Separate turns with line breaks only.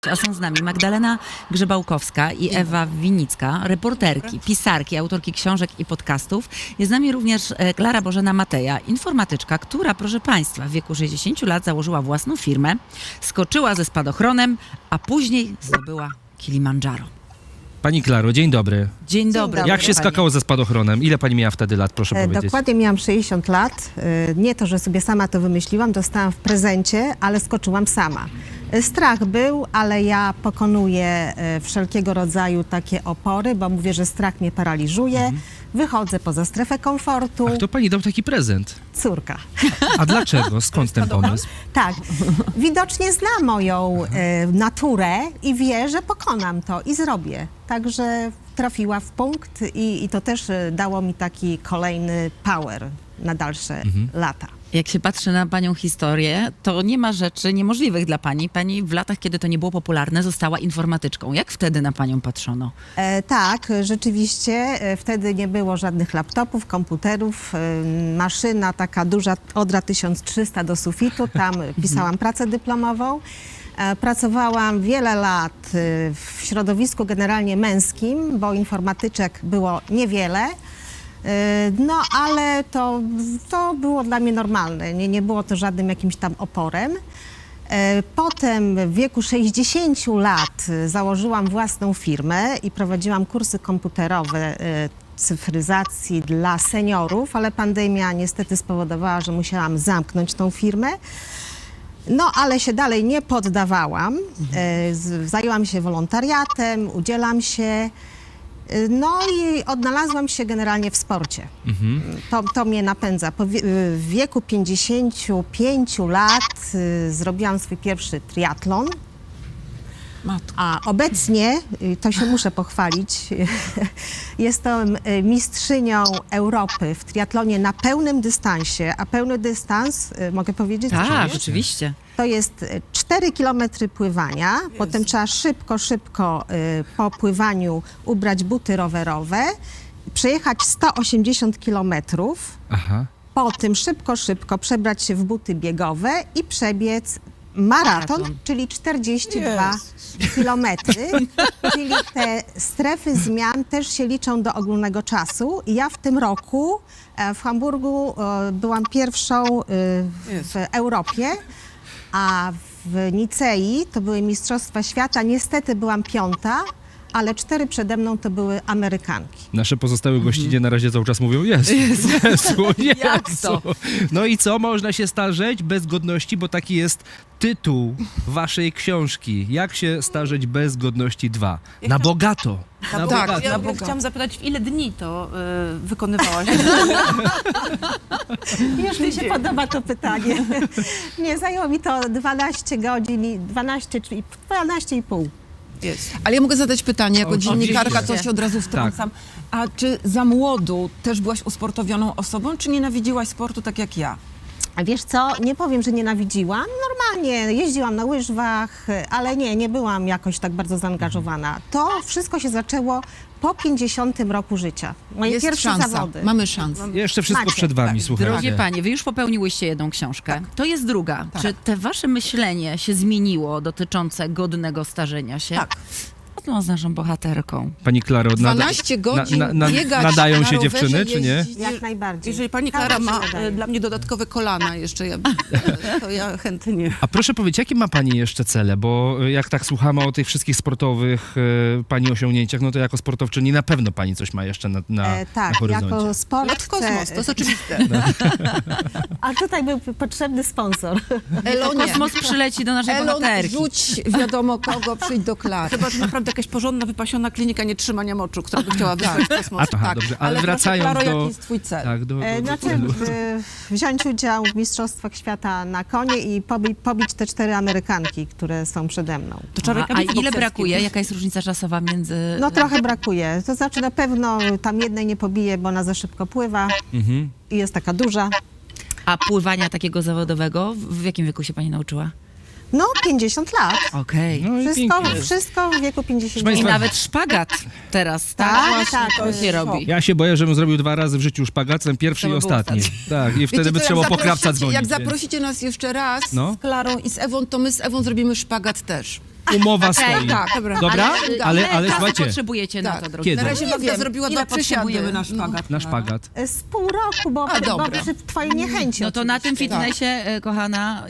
A są z nami Magdalena Grzebałkowska i Ewa Winicka, reporterki, pisarki, autorki książek i podcastów. Jest z nami również Klara Bożena Mateja, informatyczka, która, proszę Państwa, w wieku 60 lat założyła własną firmę, skoczyła ze spadochronem, a później zdobyła Kilimandżaro.
Pani Klaro, dzień dobry.
Dzień dobry.
Jak się skakało ze spadochronem? Ile pani miała wtedy lat, proszę powiedzieć?
Dokładnie miałam 60 lat. Nie to, że sobie sama to wymyśliłam, dostałam w prezencie, ale skoczyłam sama. Strach był, ale ja pokonuję wszelkiego rodzaju takie opory, bo mówię, że strach mnie paraliżuje. Wychodzę poza strefę komfortu.
Ach, to pani dał taki prezent.
Córka.
A dlaczego? Skąd ten pomysł?
Tak, widocznie zna moją naturę i wie, że pokonam to i zrobię. Także trafiła w punkt i to też dało mi taki kolejny power na dalsze lata.
Jak się patrzy na panią historię, to nie ma rzeczy niemożliwych dla pani. Pani w latach, kiedy to nie było popularne, została informatyczką. Jak wtedy na panią patrzono?
Tak, rzeczywiście wtedy nie było żadnych laptopów, komputerów, maszyna taka duża, Odra 1300 do sufitu, tam pisałam pracę dyplomową. Pracowałam wiele lat w środowisku generalnie męskim, bo informatyczek było niewiele. No, ale to było dla mnie normalne, nie było to żadnym jakimś tam oporem. Potem w wieku 60 lat założyłam własną firmę i prowadziłam kursy komputerowe cyfryzacji dla seniorów, ale pandemia niestety spowodowała, że musiałam zamknąć tą firmę. No, ale się dalej nie poddawałam. Zajęłam się wolontariatem, udzielam się. No i odnalazłam się generalnie w sporcie. To mnie napędza. W wieku 55 lat zrobiłam swój pierwszy triatlon. A obecnie, to się muszę pochwalić, jestem mistrzynią Europy w triatlonie na pełnym dystansie. A pełny dystans, mogę powiedzieć?
Tak, oczywiście.
To jest 4 kilometry pływania, potem trzeba szybko po pływaniu ubrać buty rowerowe, przejechać 180 kilometrów,
Aha.
potem szybko przebrać się w buty biegowe i przebiec maraton, czyli 42 kilometry, czyli te strefy zmian też się liczą do ogólnego czasu. I ja w tym roku w Hamburgu byłam pierwszą w Europie, a w Nicei to były Mistrzostwa Świata. Niestety byłam piąta, ale 4 przede mną to były Amerykanki.
Nasze pozostałe gościnie na razie cały czas mówią Jezu.
Jak to?
No i co? Można się starzeć bez godności, bo taki jest tytuł waszej książki. Jak się starzeć bez godności 2? Na bogato. Na bogato.
Ja chciałam zapytać, w ile dni to wykonywałaś?
Już mi się podoba to pytanie. Nie, zajęło mi to 12 godzin, 12,5.
Jest.
Ale ja mogę zadać pytanie, jako dziennikarka,
Oczywiście.
to się od razu wtrącam. A czy za młodu też byłaś usportowioną osobą, czy nienawidziłaś sportu tak jak ja?
A wiesz co, nie powiem, że nienawidziłam. Normalnie jeździłam na łyżwach, ale nie byłam jakoś tak bardzo zaangażowana. To wszystko się zaczęło po 50 roku życia. Moje
Jest
pierwsze
szansa,
zawody.
mamy szansę.
Jeszcze wszystko
Macie.
przed wami, słuchajcie.
Drogie panie, wy już popełniłyście jedną książkę. To jest druga. Czy te wasze myślenie się zmieniło dotyczące godnego starzenia się?
Tak.
Co z naszą bohaterką?
Pani Klaro,
12 godzin biegać
nadają
na
się
rowerze,
dziewczyny, czy nie?
jeździć.
Jak najbardziej.
Jeżeli pani Klara
Każda
ma
się nadaje.
dla mnie dodatkowe kolana jeszcze, to ja chętnie.
A proszę powiedzieć, jakie ma pani jeszcze cele? Bo jak tak słuchamy o tych wszystkich sportowych pani osiągnięciach, no to jako sportowczyni na pewno pani coś ma jeszcze na
Tak,
horyzoncie.
jako sport
Lot w kosmos, to jest oczywiste.
A tutaj był potrzebny sponsor.
Elonie,
Kosmos przyleci do naszej
Elon,
bohaterki.
rzuć wiadomo kogo, przyjdź do Klary.
Chyba, że naprawdę jakaś porządna, wypasiona klinika nietrzymania moczu, która by chciała wysłać w kosmos.
Aha, dobrze, ale
proszę,
wracając
Klaro,
do...
jaki jest twój cel?
Tak, do
Znaczy,
celu.
wziąć udział w Mistrzostwach Świata na konie i pobić te 4 Amerykanki, które są przede mną.
To trzeba
A
rękawice
ile
bokserskie.
brakuje? Jaka jest różnica czasowa między...
No trochę brakuje. To znaczy na pewno tam jednej nie pobiję, bo ona za szybko pływa i jest taka duża.
A pływania takiego zawodowego w jakim wieku się pani nauczyła?
No 50 lat.
Okej.
No i pięknie.
Wszystko w wieku 50
I
Państwa-
nawet szpagat teraz, tak?
Tak,
Właśnie
tak,
to się robi.
Ja się boję, żebym zrobił 2 razy w życiu szpagat, ten pierwszy
To
i
by był
ostatni. Tak, i wtedy
Wiecie
by
co,
trzeba
jak
po krawca
zaprosicie-
dzwonić.
Jak zaprosicie nas jeszcze raz
No.
z Klarą i z Ewą, to my z Ewą zrobimy szpagat też.
Umowa stoi.
tak,
Dobra? Ale
kasy
słuchajcie,
potrzebujecie na
Tak.
to, drogi
Kiedy?
Na razie
Nie
Magda
wiem,
zrobiła
ile
2 przysiady.
potrzebujemy na szpagat?
na szpagat.
Z pół roku, bo
dobra.
przy twojej niechęci
No to na tym
oczywiście.
fitnessie, kochana,